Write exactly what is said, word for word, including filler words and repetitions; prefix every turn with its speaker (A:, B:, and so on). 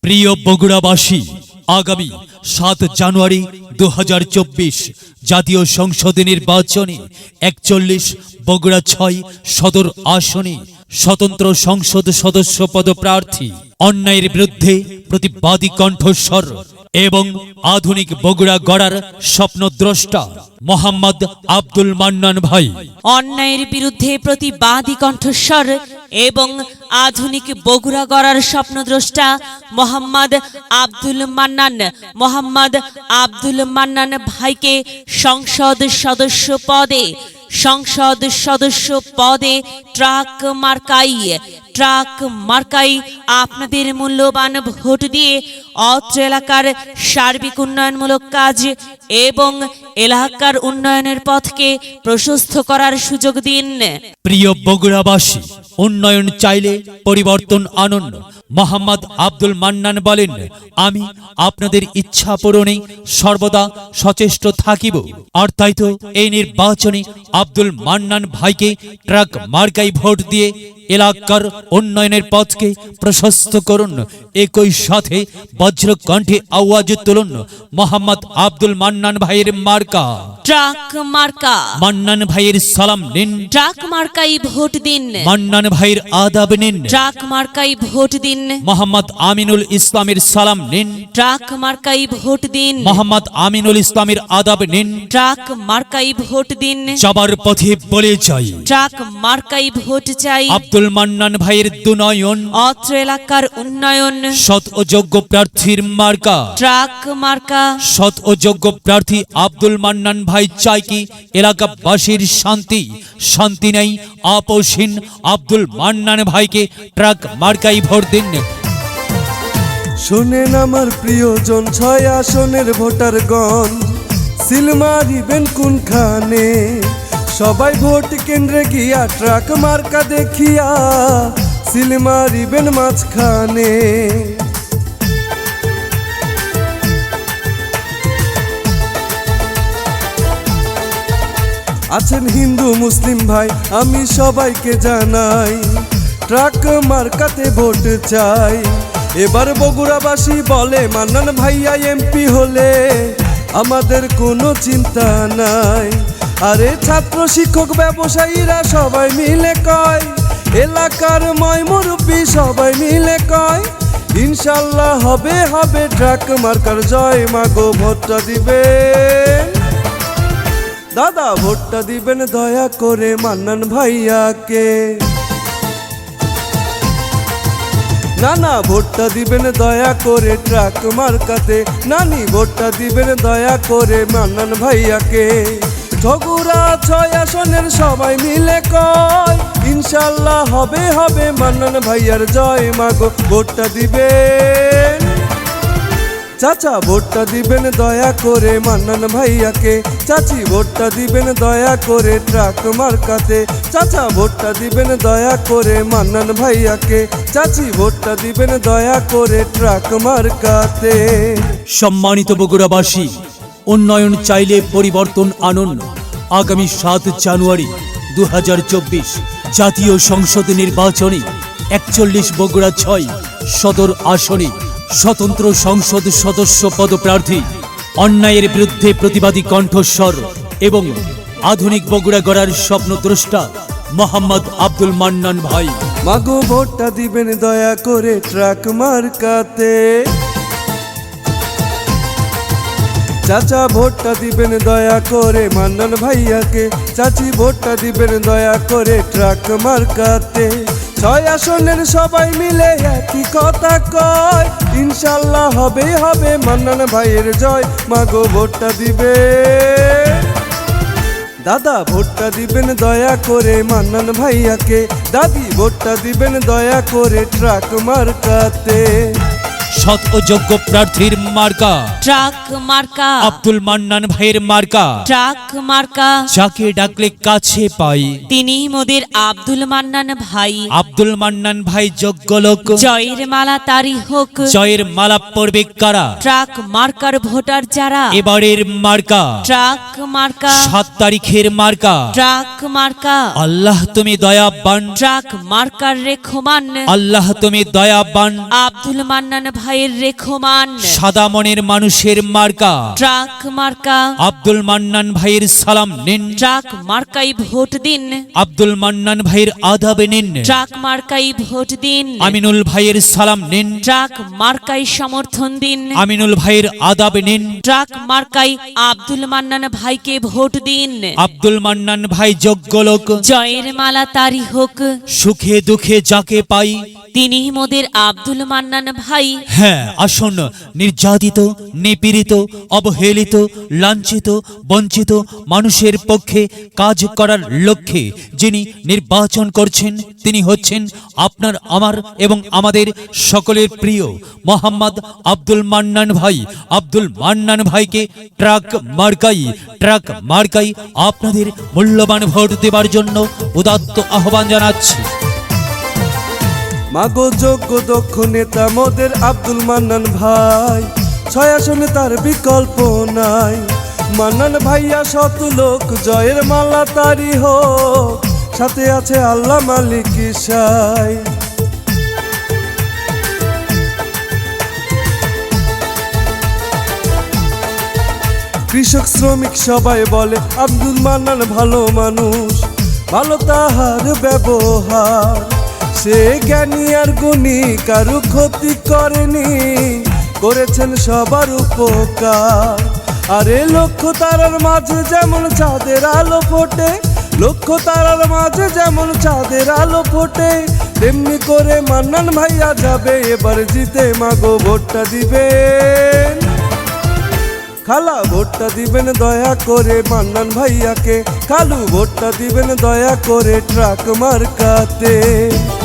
A: প্রিয় বগুড়াবাসী, আগামী সাত জানুয়ারি দু হাজার চব্বিশ জাতীয় সংসদ নির্বাচনে একচল্লিশ বগুড়া ছয় সদর আসনে স্বতন্ত্র সংসদ সদস্য পদপ্রার্থী, অন্যায়ের বিরুদ্ধে প্রতিবাদী কণ্ঠস্বর এবং আধুনিক বগুড়া গড়ার স্বপ্নদ্রষ্টা মোহাম্মদ আব্দুল মান্নান ভাই।
B: অন্যায়ের বিরুদ্ধে প্রতিবাদী কণ্ঠস্বর এবং আধুনিক বগুড়া গড়ার স্বপ্নদ্রষ্টা মোহাম্মদ আব্দুল মান্নান মোহাম্মদ আব্দুল মান্নান ভাইকে সংসদ সদস্য পদে সংসদ সদস্য পদে ট্রাক মার্কাই ট্রাক মার্কাই আপনাদের মূল্যবান ভোট দিয়ে অত্র এলাকার সার্বিক উন্নয়নমূলক কাজ এবং এলাকার উন্নয়নের পথকে প্রশস্ত করার সুযোগ দিন।
A: প্রিয় বগুড়াবাসী, উন্নয়ন চাইলে পরিবর্তন আনুন। মোহাম্মদ আব্দুল মান্নান বলেন, আমি আপনাদের ইচ্ছা পূরণে সর্বদা সচেষ্ট থাকিব। আর তাই তো এই নির্বাচনে আব্দুল মান্নান ভাইকে ট্রাক মার্কাই ভোট দিয়ে এলাকার উন্নয়নের পথকে প্রশস্ত করুন। একই সাথে বজ্রকণ্ঠে আওয়াজ তুলুন, মোহাম্মদ আব্দুল মান্নান ভাইয়ের মার্কা
B: ট্রাক মার্কা।
A: মান্নান ভাইয়ের সালাম নিন,
B: ট্রাক মার্কাই ভোট দিন।
A: মান্নান ভাইয়ের আদাব নিন,
B: ট্রাক মার্কাই ভোট দিন।
A: মোহাম্মদ আমিনুল ইসলামের সালাম নিন,
B: ট্রাক মার্কাই ভোট দিন।
A: মোহাম্মদ আমিনুল ইসলামের আদাব নিন।
B: ট্রাক মার্কাই ভোট দিন।
A: যাবার পথে বলে যাই,
B: ট্রাক মার্কাই ভোট চাই।
A: আব্দুল মান্নান ভাইয়ের দুনয়ন,
B: অত্র এলাকার উন্নয়ন।
A: সৎ ও যোগ্য প্রার্থীর মার্কা
B: ট্রাক মার্কা।
A: সৎ ও যোগ্য প্রার্থী আব্দুল মান্নান ভাই চাই কি এলাকাবাসীর শান্তি, শান্তি নেই আপোষহীন আব্দুল মান্নান ভাইকে ট্রাক মার্কাই ভোট দিন।
C: শোনেন আমার প্রিয়জন, ছয় আসনের ভোটারগণ, সিল মারিবেন কোনখানে? সবাই ভোট কেন্দ্রে গিয়া ট্রাক মার্কা দেখিয়া সিল মারিবেন মাঝখানে। আছেন হিন্দু মুসলিম ভাই, আমি সবাইকে জানাই, ট্রাক মার্কাতে ভোট চাই। এবার বগুড়াবাসী বলে, মান্নান ভাইয়া এমপি হলে আমাদের কোনো চিন্তা নাই। আরে ছাত্র শিক্ষক ব্যবসায়ীরা সবাই মিলে কয়, এলাকার ময় মুরব্বী সবাই মিলে কয়, ইনশাল্লাহ হবে হবে ট্রাক মার্কার জয়। মাগো ভোটটা দিবেন দাদা, ভোটটা দিবেন দয়া করে মান্নান ভাইয়াকে। নানা ভোটটা দিবেন দয়া করে ট্রাক মার্কাতে। নানি ভোটটা দিবেন দয়া করে মান্নান ভাইয়াকে। ঝগুড়া ছয় আসনের সবাই মিলে কয়, ইনশাল্লাহ হবে হবে মান্নান ভাইয়ার জয়। মাগো ভোটটা দিবেন চাচা, ভোটটা দিবেন দয়া করে মান্নান ভাইয়াকে। চাচি ভোটটা দিবেন দয়া করে ট্রাক মার্কাতে। চাচা ভোটটা দিবেন দয়া করে মান্নান ভাইয়াকে। চাচি ভোটটা দিবেন দয়া করে ট্রাক মার্কাতে।
A: সম্মানিত বগুড়াবাসী, উন্নয়ন চাইলে পরিবর্তন আনুন। আগামী সাত জানুয়ারি দু হাজার চব্বিশ জাতীয় সংসদ নির্বাচনে একচল্লিশ বগুড়া ছয় সদর আসনে স্বতন্ত্র সংসদ সদস্য পদপ্রার্থী, অন্যায়ের বিরুদ্ধে প্রতিবাদী কণ্ঠস্বর এবং আধুনিক বগুড়া গড়ার স্বপ্নদ্রষ্টা মোহাম্মদ আব্দুল মান্নান ভাই।
C: মাগো ভোটটা দিবেন দয়া করে ট্রাক মার্কাতে। চাচা ভোটটা দিবেন দয়া করে মান্নান ভাইয়াকে। চাচি ভোটটা দিবেন দয়া করে ট্রাক মার্কাতে। ছয় আসনের সবাই মিলে একই কথা কয়, ইনশাল্লাহ হবে হবে মান্নান ভাইয়ের জয়। মাগো ভোটটা দিবে দাদা, ভোটটা দিবেন দয়া করে মান্নান ভাইয়াকে। দাদি ভোটটা দিবেন দয়া করে ট্রাক মার্কাতে।
A: সৎ ও যোগ্য প্রার্থীর মার্কা
B: ট্রাক মার্কা।
A: আব্দুল মান্নান ভাইয়ের মার্কা
B: ট্রাক মার্কা।
A: যাকে ডাকলে কাছে পাই,
B: তিনি মোদের আব্দুল মান্নান ভাই।
A: আব্দুল মান্নান ভাই যোগ্য লোক,
B: জয়ের মালা তারি হোক।
A: জয়ের মালা পড়বে কারা?
B: ট্রাক মার্কার ভোটার যারা।
A: এবারের মার্কা
B: ট্রাক মার্কা।
A: সাত তারিখের মার্কা
B: ট্রাক মার্কা।
A: আল্লাহ তুমি দয়াবান,
B: ট্রাক মার্কার রেখমান।
A: আল্লাহ তুমি দয়াবান।
B: আব্দুল মান্নান ভাই ভাইয়ের রেখমান
A: সাদা মনের মানুষের মার্কা
B: ট্রাক মার্কা।
A: আব্দুল মান্নান ভাইয়ের সালাম নিন,
B: ট্রাক মার্কাই ভোট দিন,
A: আব্দুল মান্নান ভাইয়ের আদাবে নিন,
B: ট্রাক মার্কাই ভোট দিন,
A: আমিনুল ভাইয়ের সালাম নিন,
B: ট্রাক মার্কাই সমর্থন দিন,
A: আমিনুল ভাইয়ের আদাবে নিন,
B: ট্রাক মার্কাই আব্দুল মান্নান ভাইকে ভোট দিন।
A: আব্দুল মান্নান ভাই যোগ্য লোক,
B: জয়ের মালা তারি হোক,
A: সুখে দুঃখে যাকে পাই।
B: তিনি মোদের আব্দুল মান্নান ভাই।
A: হ্যাঁ, আসুন নির্যাতিত, নিপীড়িত, অবহেলিত, লাঞ্ছিত, বঞ্চিত মানুষের পক্ষে কাজ করার লক্ষ্যে যিনি নির্বাচন করছেন তিনি হচ্ছেন আপনার, আমার এবং আমাদের সকলের প্রিয় মোহাম্মদ আব্দুল মান্নান ভাই। আব্দুল মান্নান ভাইকে ট্রাক মার্কাই ট্রাক মার্কাই আপনাদের মূল্যবান ভোট দেবার জন্য উদাত্ত আহ্বান জানাচ্ছি।
C: মাগো যোগ্য দক্ষ নেতা মোদের আব্দুল মান্নান ভাই, ছয় আসনে তার বিকল্প নাই। মান্নান ভাইয়া শত লোক, জয়ের মালা তারি হোক, সাথে আছে আল্লাহ মালিক ঈশাই। কৃষক শ্রমিক সবাই বলে আব্দুল মান্নান ভালো মানুষ, ভালো তাহার ব্যবহার। সে জ্ঞানী আর গুণী, কারু ক্ষতি করেনি, করেছেন সবার উপকার। আরে লক্ষ্য তারার মাঝে যেমন চাঁদের আলো ফোটে, লক্ষ্য তারার মাঝে যেমন চাঁদের আলো ফোটে, তেমনি করে মান্নান ভাইয়া যাবে এবার জিতে। মাগো ভোটটা দিবেন খালা, ভোটটা দিবেন দয়া করে মান্নান ভাইয়াকে, কালু ভোটটা দিবেন দয়া করে ট্রাক মার্কাতে।